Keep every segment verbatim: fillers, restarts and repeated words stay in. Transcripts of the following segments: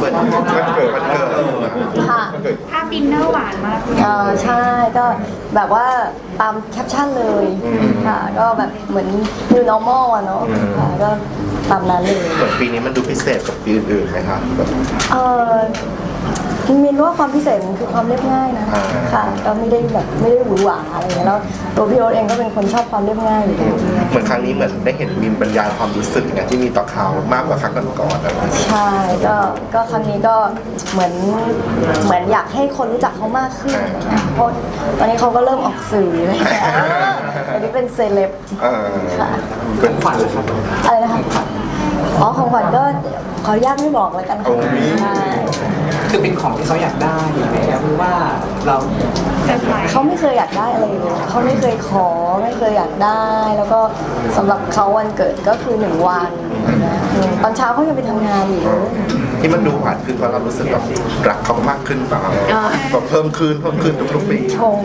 มือนวันเกิดวันเกิดค่ะภาพดินเนอร์หวานมากเออใช่ก็แบบว่าตามแคปชั่นเลยค่ะก็แบบเหมือน new normal อะเนาะค่ะก็ตามนั้นเลยเหมือนปีนี้มันดูพิเศษกับปีอื่นๆไหมคะแบบเออมินว่าความพิเศษมันคือความเรียบง่ายนะอ่าค่ะก็ไม่ได้แบบไม่ได้หวือหวาอะไรอย่างเงี้ยแล้วตัวพี่โอ๊ตเองก็เป็นคนชอบความเรียบง่ายอยู่แล้วเหมือนครั้งนี้เหมือนได้เห็นมินบรรยายความรู้สึกไงที่มีต่อเขามากกว่าครั้งก่อนๆอะไรอย่างเงี้ยใช่ก็ก็ครั้งนี้ก็เหมือนเหมือนอยากให้คนรู้จักเขามากขึ้นอะไรเงี้ยเพราะตอนนี้เขาก็เริ่มออกสื่ออะไรเงี้ยอันนี้เป็นเซเลบเออค่ะเป็นขวัญเลยครับอะไรนะคะอ๋อของขวัญก็ขออนุญาตไม่บอกแล้วกันค่ะโอ้ยใช่คือเป็นของที่เขาอยากได้อยู่แล้วหรือว่าเราเซอร์ไพรส์เขาไม่เคยอยากได้อะไรเลยเขาไม่เคยขอไม่เคยอยากได้ แล้วก็สำหรับเขาวันเกิดก็คือหนึ่งวันนะอืมตอนเช้าเขายังไปทำงานอยู่เลยที่มันดูหวานขึ้นเพราะเรารู้สึกแบบรักเขามากขึ้นเปล่าแบบเพิ่มขึ้นเพิ่มขึ้นทุกๆปีชง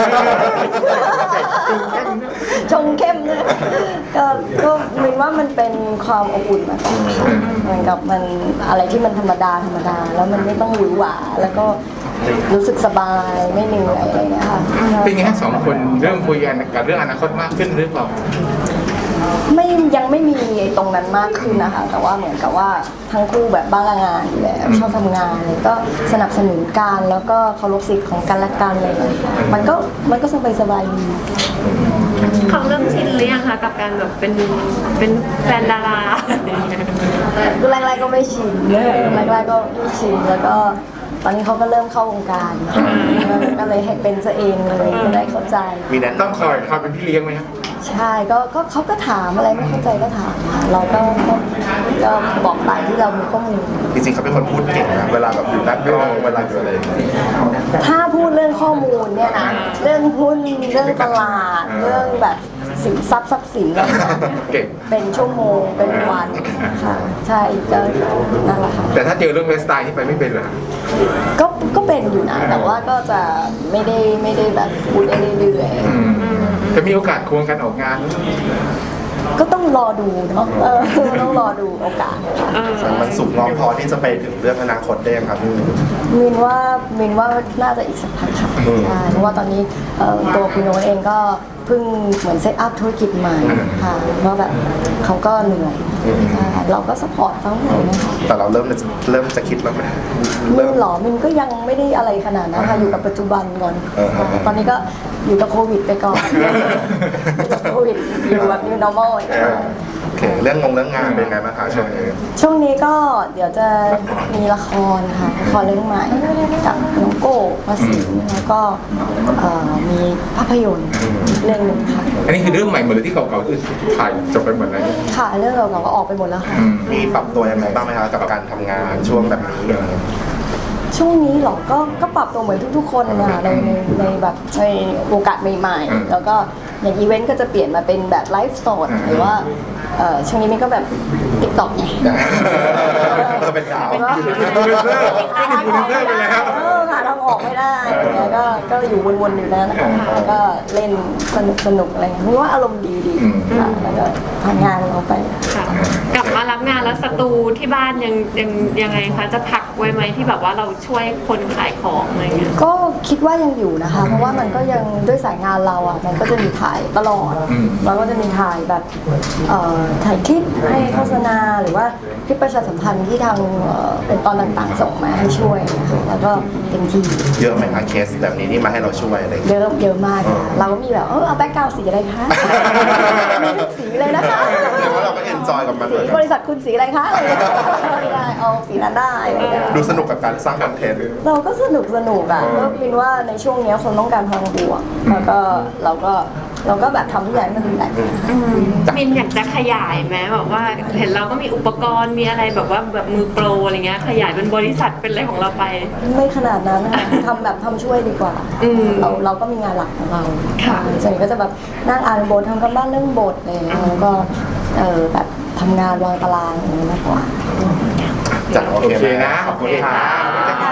ชงเข้มเลยก็ก็มินว่ามันเป็นความอบอุ่นมากกว่าเหมือนกับมันอะไรที่มันธรรมดาธรรมดา แล้วมันไม่ต้องหวือหวาแล้วก็รู้สึกสบายไม่เหนื่อยอะไรอย่างเงี้ยค่ะเป็นไงทั้งสองคนเริ่มคุยกันกับเรื่องอนาคตมากขึ้นหรือเปล่าไม่ยังไม่มีตรงนั้นมากขึ้นนะคะ แต่ว่าเหมือนกับว่าทั้งคู่แบบบ้างงานอยู่แล้วชอบทำงานเลยก็สนับสนุนกันแล้วก็เคารพสิทธิ์ของกันและกันอะไรอย่างเลยมันก็มันก็สบายสบายๆดีเขาเริ่มชินหรือยังคะกับการแบบเป็นเป็นแฟนดาราแรกๆก็ไม่ชินแรกๆก็ไม่ชินแล้วก็ตอนนี้เขาก็เริ่มเข้าวงการก็เลยให้เป็นซะเองเลยก็ได้เข้าใจมีแนะต้องนำคอยคอยเป็นพี่เลี้ยงไหมครับใช่ก็ก็เขาก็ถามอะไรไม่เข้าใจก็ถามค่ะเราก็ก็ก็บอกตามที่เรามีข้อมูลจริงๆเขาเป็นคนพูดเก่งนะเวลาแบบอยู่หน้ากล้องเวลาอยู่อะไรอย่างเงี้ยถ้าพูดเรื่องข้อมูลเนี่ยนะเรื่องหุ้นเรื่องตลาดเรื่องแบบสินทรัพย์ทรัพย์สินอะไรเนี่ยเก่งเป็นชั่วโมงเป็นวันค่ะใช่ก็นั่นแหละค่ะแต่ถ้าเจอเรื่องไลฟ์สไตล์ที่ไปไม่เป็นเหรอก็ก็เป็นอยู่นะแต่ว่าก็จะไม่ได้ไม่ได้แบบพูดได้เรื่อยอืมจะมีโอกาสควงกันออกงานๆก็ต้องรอดูเนาะเออต้องรอดูโอกาสค่ะมันสุกงอมพอที่จะไปถึงเรื่องอนาคตได้ยังครับพี่มินว่ามินว่าน่าจะอีกสักพักค่ะอืมใช่เพราะว่าตอนนี้เอ่อตัวคุณโน้ตเองก็เพิ่งเหมือนเซตอัพธุรกิจใหม่ค่ะว่าแบบเขาก็เหนื่อยใช่เราก็สปอร์ตเขาเลยนะคะแต่เราเริ่มเริ่มจะคิดแล้วไหมมินหรอมินก็ยังไม่ได้อะไรขนาดนั้นค่ะอยู่กับปัจจุบันก่อนเออเออเออตอนนี้ก็อยู่กับโควิดไปก่อนอยู่กับโควิดอยู่แบบ new normal เออโอเคเรื่องงงเรื่องงานเป็นไงบ้างคะช่วงนี้ช่วงนี้ก็เดี๋ยวจะมีละครค่ะละครเรื่องใหม่กับน้องโก้ภาษีแล้วก็เอ่อมีภาพยนตร์เรื่องหนึ่งค่ะอันนี้คือเรื่องใหม่หมดเลยที่เก่าๆคือถ่ายจบไปหมดแล้วค่ะเรื่องเราก็ออกไปหมดแล้วค่ะอืมมีปรับตัวยังไงบ้างไหมคะกับการทำงานช่วงแบบนี้อะไรเงี้ยช่วงนี้เหรอก็ก็ปรับตัวเหมือนทุกๆคนนะคะในในในแบบในโอกาสใหม่ๆ แล้วก็อย่างอีเวนต์ก็จะเปลี่ยนมาเป็นแบบไลฟ์สดหรือว่าเอ่อช่วงนี้มันก็แบบติ๊กต็อกไงเออเป็นดาวก็อินฟลูเอนเซอร์ไม่ถึงอินฟลูเอนเซอร์ไปแล้วเออหาทางออกไม่ได้อะไรเงี้ยก็ก็อยู่วนๆอยู่นั้นนะคะแล้วก็เล่นสนุกสนุกอะไรเงี้ยไม่ว่าอารมณ์ดีดีค่ะแล้วก็ทำงานเราไปค่ะกลับมารับงานแล้วสตูที่บ้านยังยังยังไงคะจะพักไว้ไหมที่แบบว่าเราช่วยคนขายของอะไรเงี้ยก็คิดว่ายังอยู่นะคะ เพราะว่ามันก็ยังด้วยสายงานเราอ่ะมันก็จะมีถ่ายตลอดแล้วก็จะมีถ่ายแบบเอ่อถ่ายคลิปให้โฆษณาหรือว่าคลิปประชาสัมพันธ์ที่ทางเอ่อองค์กรต่างๆส่งมาให้ช่วยนะคะแล้วก็เต็มที่เยอะไหมคะเคสแบบนี้ที่มาให้เราช่วยอะไรอย่างเยเงี้ยอะเยอะมากค่ะเราก็มีแบบเออเอาแบ็คกราวด์สีอะไรคะมีทุกสีเลยนะคะแต่ว่าเราก็เอนจอยกับมันเหสีมือนกับริษัทคุณสีอะไรคะอะไรอย่างเงี้ยไม่ได้เอาสีนั้นได้อะไรอย่างเงี้ยดูสนุกกับการสร้างคอนเทนต์เราก็สนุกสนุกอ่ะก็คิดว่าในช่วงเนี้ยคนต้องการพลังบวกแล้วก็เราก็เราก็แบบทำทุกอย่างให้มันแบบมินอยากจะขยายไหมแบบว่าเห็นเราก็มีอุปกรณ์มีอะไรแบบว่าแบบมือโปรอะไรเงี้ยขยายเป็นบริษัทเป็นอะไรของเราไปไม่ขนาดนั้นนะคะทำแบบทำช่วยดีกว่าอืมเราเราก็มีงานหลักของเราค่ะส่วนใหญ่ก็จะแบบนั่งอ่านบททำกันบ้านเรื่องบทอะไรอย่างเงี้ยแล้วก็เออแบบทำงานวางตารางอย่างเงี้ยมากกว่าจ้ะโอโอเคเคไหมนะ ขอบคุณค่ะ